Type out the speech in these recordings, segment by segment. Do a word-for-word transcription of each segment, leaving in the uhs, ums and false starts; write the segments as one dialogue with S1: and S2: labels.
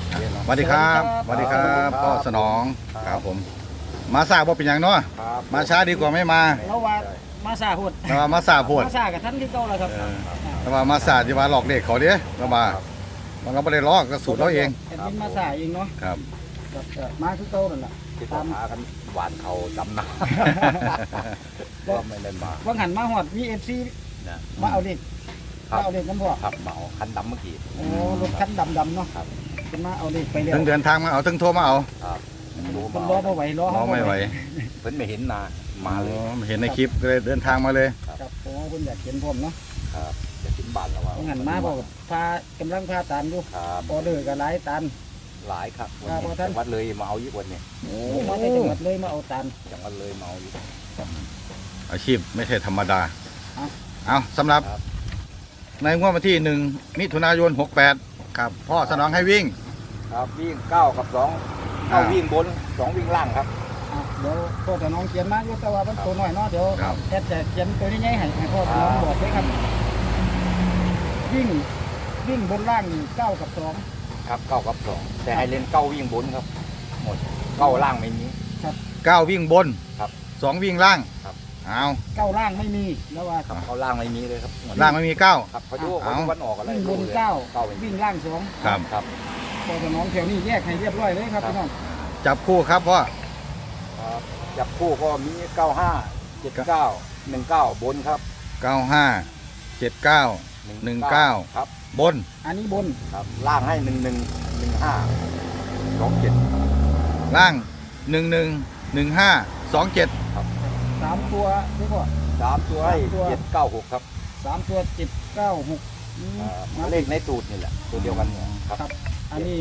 S1: สวัสดีครับสวัสดีครับพ่อสนองครับผมมาสาบ่เป็นอย่างเนาะมาช้าดีกว่าไม่มา
S2: เราว่ามาซาพูด
S1: แต่ว่ามาสาโพด
S2: มาซากับท่านที่เก่าแล้วครับ
S1: แต่ว่ามาสาที่ว่าหลอกเด็กเขาเด้แต่ว่ามันก็ไม่ได้ลอกก็สูตรเราเอง
S2: แอดมินมาซาเองเนาะ
S1: ครับ
S2: ครับก็มาคือเก่านั่นแหละ
S3: ที่ต้องหากันหวานเขาดำนาก็ไม่ได้มา
S2: ว่างหันมาฮอด วี เอฟ ซี
S3: นะ
S2: มาเอาเด็ก
S3: ครั
S2: มา
S3: บ
S2: เอาเด็กน้ำพ่อ
S3: ครับเหมาคันดำเมื่อกี้
S2: โอ้รถคันดำๆเนาะ
S3: ครับ
S2: เป็นมาเอาเด็กไปเร็ว
S1: ถึงเดินทางมาเอาถึงโทรมาเอา
S3: ครับรู้
S2: คน
S3: มาร
S2: อมาไหวรอ
S1: น้องไม่ไหว
S3: เพิ่นไม่เห็นนามาเลย
S1: อ๋อเห็นในคลิปก็เลยเดินทางมาเลย
S2: ครับโอ้คนอยากเห็นผมเนาะ
S3: ครับจะถึงบ้านแล้วว่า
S2: ว่างหันมาบอกพากำลังพาตานอยู่
S3: ครับ
S2: ออเดอร์ก็หลายตัน
S3: หลายครับวัน
S2: ครับ
S3: นี้
S2: ท่าน
S3: จังหวัดเลยมาเอาอีกวันนี้
S1: โอ้
S2: มาในจังหวัดเลยมาเอาตัน
S3: จังหวัดเลยมาเอาอีก
S1: อาชีพไม่ใช่ธรรมดา
S2: เอา
S1: เอาสำหรับ
S3: ครับ
S1: ในงวดวันที่หนึ่งมิถุนายนหกแปดครับพ่อสนองให้วิ่ง
S3: ครับวิ่งเก้ากับสองเก้า
S1: อ่า
S3: วิ่งบนสองวิ่งล่างครับ
S2: อ่ะเดี๋ยวพ่อจะน้องเขียนมาอยู่แต่ว่ามันตัวน้อยเนาะเดี๋ยว
S1: ครับ
S2: แอดจะเขียนตัวนี้ใหญ่ให้ให้พ่อจะน้องบอกเลยครับ วิ่งวิ่งบนล่างนี่เก้ากับสอง
S3: ครับเก้ากับสองแต่ให้เล่นเก้าวิ่งบนครับ หมดเก้าล่างไม่มี
S1: เก้าวิ่งบน
S3: ครับ
S1: สองวิ่งล่าง
S3: ครับ
S1: เอา
S2: เก้าล่างไม่มีแล้วว่า
S3: ครับเก้าล่างไม่มีเลยครับหมด
S1: ล่างไม่มีเก้า
S3: ครับพายุ
S1: เอา
S3: เขาวันออกอะไร
S2: วิ่งบน
S3: รู้ลย
S2: เก้า
S3: เก้าไม่มี
S2: วิ่งล่างสอง
S1: ครับ
S3: ครับ
S2: พ่อจะน้องแถวนี้แยกให้เรียบร้อยเลยครับพี่น้อง
S1: จับคู่ครับพ่อ
S3: ครับจับคู่ก็มีเก้าห้าเจ็ดเก้าหนึ่งเก้าบนครับ
S1: เก้าห้าเจ็ดเก้า หนึ่งเก้า
S3: ครับ
S1: บน
S2: อันนี้บน
S3: ครับล่างให้หนึ่งหนึ่งหนึ่งห้าสองเจ็ด
S1: ล่างหนึ่งหนึ่งหนึ่งห้าสองเจ็ด
S2: สามตัวนี่พ่อ
S3: สามตัวให้
S2: สามตัว
S3: เจ็ดเก้าหกครับ
S2: สามตัวเจ็ดเก้าหกอืม
S3: อ่า
S2: มา
S3: เลขในสูตรนี่แหละตัวเดียวกันเนี่ยครับ
S2: ครับ อันนี้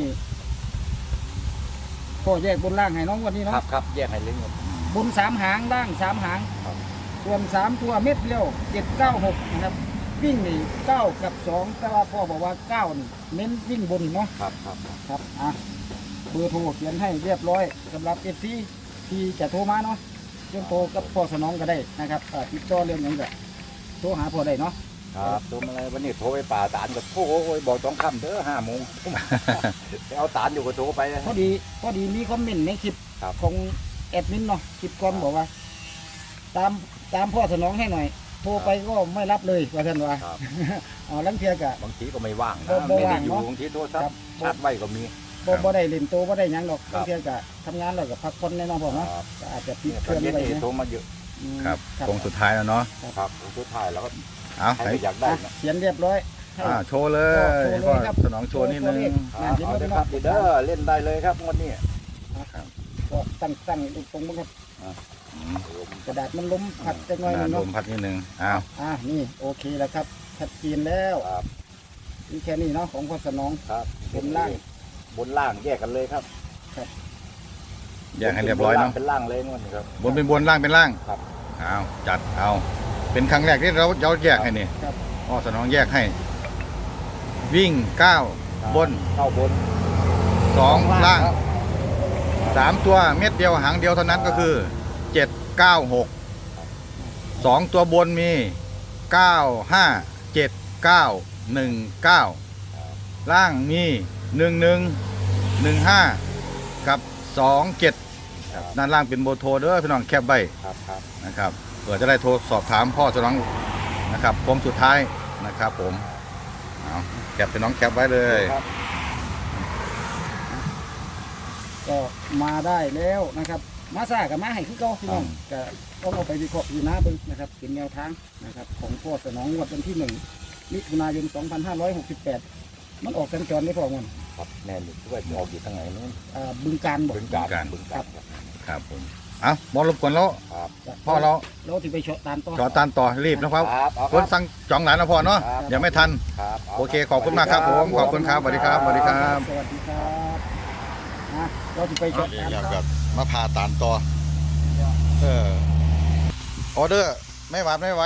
S2: พ่อแยกบนล่างให้น้องวันนี้
S3: ครั
S2: เนาะ
S3: บครับแยกให้เล่นหมด
S2: บนสามหางล่างสามหาง
S3: ครับ
S2: ส่วนสามตัวเม็ดเดียวเจ็ดเก้าหกนะครับ วิ่งนี่เก้ากับสองแต่ว่าพ่อบอกว่าเก้านี่เน้นวิ่งบนเนาะ
S3: ครับครับ
S2: ครับอ่ะเบอร์โทรเขียนให้เรียบร้อยสำหรับเอฟซีที่จะโทรมาเนาะเรื่องโทรกับพ่อสนองก็ได้นะครับอ่าติดต่อเรื่องอย่างแบบโทรหาพ่อได้เนาะ
S3: ครับตัวอะไรวันนี้โทรไปป่าตานก็โทรโอ้ยบอกต้องค่ำเด้อห้าโมง ไปเอาตานอยู่ก็โทรไป
S2: พอดีพอดีมีคอมเมนต์ในคลิป
S3: ครับ
S2: ของแอดมินเนาะคลิปก่อนบอกว่า ตามตามพ่อสนองให้หน่อย โทรไปก็ไม่รับเลยว่าท่านว่า
S3: ครับ
S2: อ๋อลังเทียกะ
S3: บางทีก็ไม่ว่าง
S2: บ่
S3: นะ
S2: บ่
S3: ไม่ได้
S2: ว่าง
S3: อยู่
S2: เนาะ
S3: บางทีโทรศัพ
S2: ครั
S3: ท์
S2: บ
S3: ชาร์จไว้ก็มี
S2: บ่บ่ได้เล่นโตบ่ได้หยังหรอก
S3: ครับ
S2: ลังเทียกะทำงานแล้วก็พักผ่อนแน่นอนพ่อเนาะ
S3: ครับ
S2: ก็อาจจะปิด
S3: เนี่ย
S2: เค
S3: ตอ
S2: รื่
S3: น
S2: อง
S3: เย็น
S2: ไว้
S3: นี่
S2: นะ
S3: โทรมาเยอะ
S2: อืม
S1: ครับ
S2: ครับ
S1: โค้งสุดท้ายแล้วเนาะ
S3: ครับสุดท้ายแล้วก็
S1: เอา
S3: ใคร
S1: ให้
S3: ไม่อยากได้
S2: อ่ะ
S3: เนาะ
S2: เขียนเรียบร้อยให้
S1: อ่าโชว์เลย
S2: โชว์เลย
S1: พ่อ
S2: ครับ
S1: สนองโชว์นิดนึง
S3: ครับเอาเลยครับเด้อเล่นได้เลยครับงวดนี้
S2: ก็ตั้งตั้งตรงๆมั้งครับกระดาษมันล้มผัดจังหน่อยหนึง
S1: ล
S2: เนาะ
S1: มพัดนิดนึงอ้าว
S2: อ่ะนี่โอเคแล้วครับชัดเจนแล้ว
S3: ครับ
S2: นี่แค่นี้เนาะของพ่อสนอง
S3: ครับ
S2: บนล่าง
S3: บนล่างแยกกันเลยครับ
S1: แยกให้เรียบร้อยเนาะ
S3: เป็นล่างเลยงวดนี้ครับ
S1: บนเป็นบนล่างเป็นล่าง
S3: ครับ
S1: เอาจัดเอาเป็นครั้งแรกที่เราเราแยกให้นี่
S2: ครับ
S1: พ่อสนองแยกให้ วิ่งเก้าบน
S3: เข้าบน
S1: สองล่าง
S3: ครับ
S1: สามตัวเม็ดเดียวหางเดียวเท่านั้นก็คือเจ็ดเก้าหกสองตัวบนมีเก้าห้าเจ็ดเก้าหนึ่งเก้าล่างมีหนึ่งหนึ่งหนึ่งห้ากับสองเจ็ดด้านล่างเป็นโบโทรเด้อพี่น้องแคบใบ
S3: ครับครับ
S1: นะครับเผื่อจะได้โทรสอบถามพ่อสนองนะครับโค้งสุดท้ายนะครับผมเอาแคปเป็นน้องแคปไว้เลย
S3: ครับ
S2: ก็มาได้แล้วนะครับ มาซ่ากับมาให้คือเก่าพี่น้องก็ต้องเอาไปวิเคราะห์อยู่นะเบิ่งนะครับเป็นแนวทางนะครับของพ่อสนองงวดวันที่หนึ่งมิถุนายนสองพันห้าร้อยหกสิบแปดมันออกกันจรได้พอมัน
S3: ครับแน่นอยู่ด้วยออกอยู่ทางไหนนู้น
S2: อ่าบึงการบอก
S3: บึงการบึงการครับ
S1: ครับผมเอาบอลรบกวนแล้ว
S3: ครับ
S1: พ่อเรา
S2: เราที่ไปเฉาะตานต่อ
S1: จอตันต่อรีบนะครับ
S3: ครับเอา
S1: ค
S3: ครั
S1: น
S3: บ
S1: สั่งจองหลานนะพ่อเนาะ
S3: ครับ
S1: ยังไม่ทัน
S3: ครับา
S1: โอเคขอบคุณมากครับผมขอบคุณครับสวัสดีครับสวัสดีครับ
S2: สวัสดีครับนะเราที่ไปเฉาะตาน
S1: อยาก
S2: ต่
S1: แบ
S2: อบ
S1: มาพาตานต่อเออออเดอร์ไม่หวาดไม่ไหว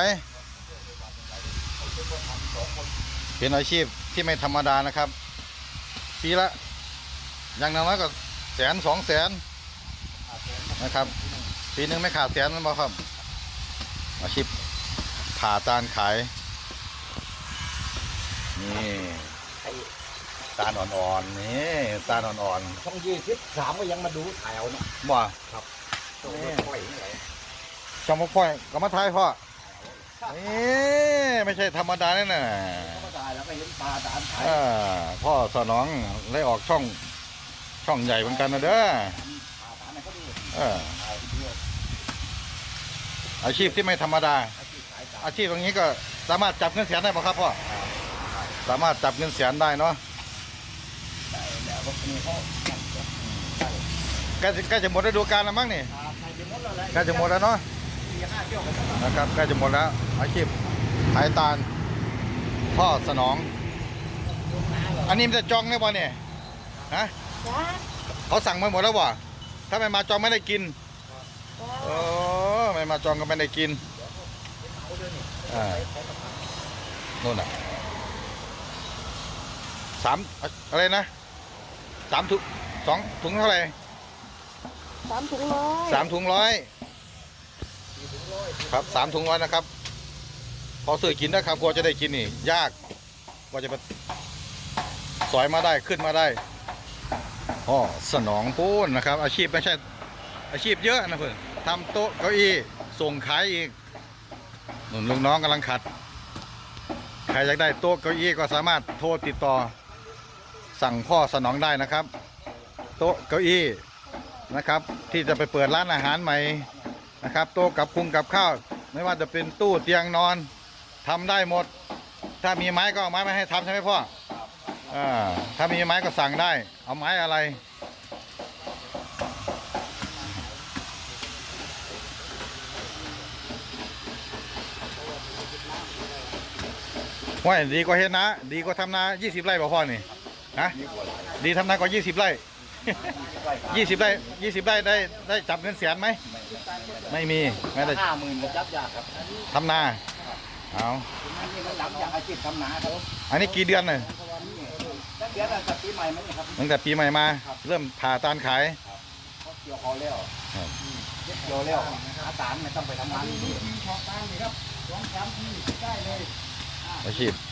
S1: เป็นอาชีพที่ไม่ธรรมดานะครับปีละอย่างน้อยก็แสนสองแสนนะครับปีหนึงไม่ขาดแสนนั่นบ่ครับอาชีพผ่าตานขายนี่ตาอ่อนๆนี่ตาอ่อน
S3: ช่องยี่สิบสามก็ยังมาดูถ่ายเอาเนาะ
S1: ๆบ่
S3: ต้องปล่อยนี่แหละ
S1: จอมพ่อยก็มาทายพ่อนี่ไม่ใช่ธรรมดาแน่น่ะ
S3: ก็ถ่ายแล้วก็เห็นปลาตานถ่าย
S1: อ่าพ่อสนองได้ออกช่องช่องใหญ่เหมือนกันนะเด้อ
S3: ปลาตานไหนก็ดู
S1: เออ
S3: ถ่ายเพื่อ
S1: อาชีพที่ไม่ธรรมดา
S3: อาชีพขายตา
S1: อาชีพตรงนี้ก็สามารถจับเงินแสนได้ป่ะครับพ่อสามารถจับเงินแสนได้เนาะ
S3: แล้วก็มีเขา
S1: ใกล้จะใกล้จะหมดฤดูกาลแล้วมั้งนี่
S3: ใส่ไปหมดแล้วแหละ
S1: ใกล้จะหมดแล้วเนาะ
S3: สี่ห้าเที่ยวกันแล้ว
S1: นะครับใกล้จะหมดแล้ว อาชีพขายตาลพ่อสนอง อันนี้มันจะจองได้ป่ะเนี่ยฮะ
S4: จ้า
S1: เขาสั่งมาหมดแล้วป่ะถ้าไม่มาจองไม่ได้กินโอ้ไม่มาจองก็ไม่ได้กินอ่านู่นน่ะสามอะไรนะสามถุงสองถุงเท่าไหร่
S4: สามถุงร้อย
S1: สามถุงร้อยครับสามถุงร้อยนะครับ พอซื้อกินนะครับกลัวจะได้กินนี่ ยากกว่าจะไปสอยมาได้ขึ้นมาได้อ๋อสนองพูนนะครับ อาชีพไม่ใช่ อาชีพเยอะนะเพื่อนทำโต๊ะเก้าอี้ส่งขายอีกหนุนลูกน้องกำลังขัด ใครอยากได้โต๊ะเก้าอี้ก็สามารถโทรติดต่อ สั่งพ่อสนองได้นะครับ โต๊ะเก้าอี้นะครับ ที่จะไปเปิดร้านอาหารใหม่นะครับ โต๊ะกับคุงกับข้าวไม่ว่าจะเป็นตู้เตียงนอนทำได้หมด ถ้ามีไม้ก็เอาไม้มาให้ทำใช่ไหมพ่ออ่าถ้ามีไม้ก็สั่งได้ เอาไม้อะไรว่าดีกว่าเฮ็ดนะดีกว่าทำนายี่สิบไร่บ่พ่อนี่นะดีทำนากว่ายี่สิบไร่ ยี่สิบไร่ยี่สิบไร่ได้ได้จับเงินแสนไหมไม่มีไม่ได้
S3: ห้าหมื่นก็จับยากครับ
S1: ทำนาเอา
S3: อันนี้มันหลังจากอาชีพทำนาครับ
S1: อันนี้กี่เดือนเลย
S3: ตั้งเดือนตั้งแต่ปีใหม่มันนี่ครับ
S1: ตั้งแต่ปีใหม่มา เริ่มผ่าตาลขาย
S3: เขาเกี่ยวคอแล้ว
S1: ครับ
S3: เก็บเกี่ยวแล้วอาตานไม่ต้องไปทำงาน
S2: มีทีชอตามเลยครับสองสามทีได้เลย
S1: อาชีพ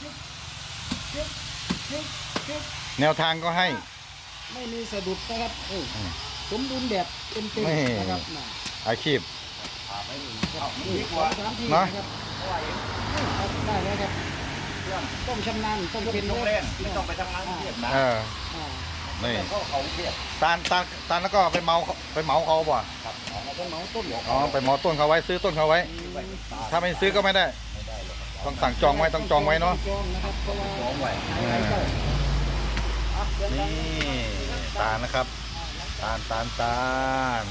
S1: แนวทางก็ให้
S2: ไม่มีสะดุดนะครับเออสมบูรณ์แบบเต็ม
S1: ไม่
S2: ๆนะครับน่ะ
S1: อาชีพ
S2: นี่สองสามที
S1: เนอะ
S2: นะครับเอาได้แล้วครับต้องชำนาญต้องเป็น
S3: ต้องเล่นไม่ต้องไปทำงานเทียบนะ
S1: เออ
S2: อ่า
S1: นี่
S3: เขาเขาเทียบ
S1: ตาลตาลตาลแล้วก็ไปเมาไปเหมาเขาบ่
S3: ครับเราต้องเมาต้นหยก
S1: อ๋อไปเหมาต้นเขาไว้ซื้อต้นเขาไว้ ถ้าไม่ซื้อก็ไม่ได้ ต้องสั่งจองไว้ต้องจองไว้เนาะ
S2: จองนะครับเพราะว่า
S3: สองไว้
S2: อะไรก็อ่ะเดี๋ยว
S1: นี่ตาลนะครับ ตาลตาลตาล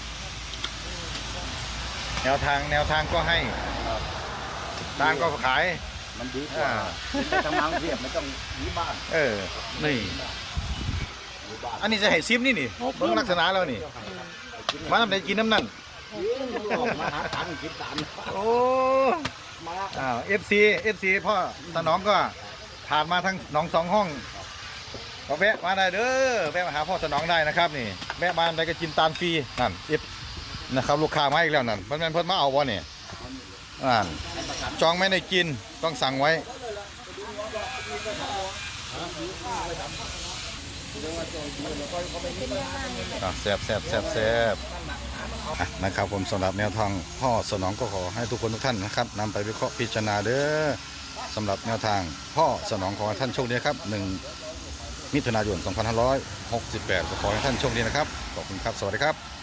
S1: แนวทางแนวทางก็ให้ตาลก็ขาย
S3: มันดีกว่าไปทำงานเทียบไม่ต้องหนีบ้าน
S1: เออ นี่
S3: หนีบ้าน
S1: อันนี้จะให้ซิมนี่นี่เบิ่งลักษณะแล้วนี่ มาทำไหนกินน้ำนั่น
S3: มาหาทางกินตาม
S1: โอ้
S3: มา
S1: อ้าวเอฟซีเอฟซีพ่อสนองก็ผ่านมาทั้งหนองสองห้องก็แวะมาได้เด้อแวะมาหาพ่อสนองได้นะครับนี่แวะมาได้ก็กินตาลฟรีนั่นเอฟนะครับลูกค้ามาอีกแล้วนั่นเพิ่นแม่นเพิ่นมาเอาบ่เนี่ยอ่านจองไม่ได้กินต้องสั่งไว้อ่ะแซ่บแซ่บแซ่บแซ่บอ่ะนะครับผมสำหรับแนวทางพ่อสนองก็ขอให้ทุกคนทุกท่านนะครับนำไปวิเคราะห์พิจารณาเด้อสำหรับแนวทางพ่อสนองขอให้ท่านโชคดีครับหนึ่งมิถุนายนสองพันห้าร้อยหกสิบแปดก็ขอให้ท่านโชคดีนะครับขอบคุณครับสวัสดีครับ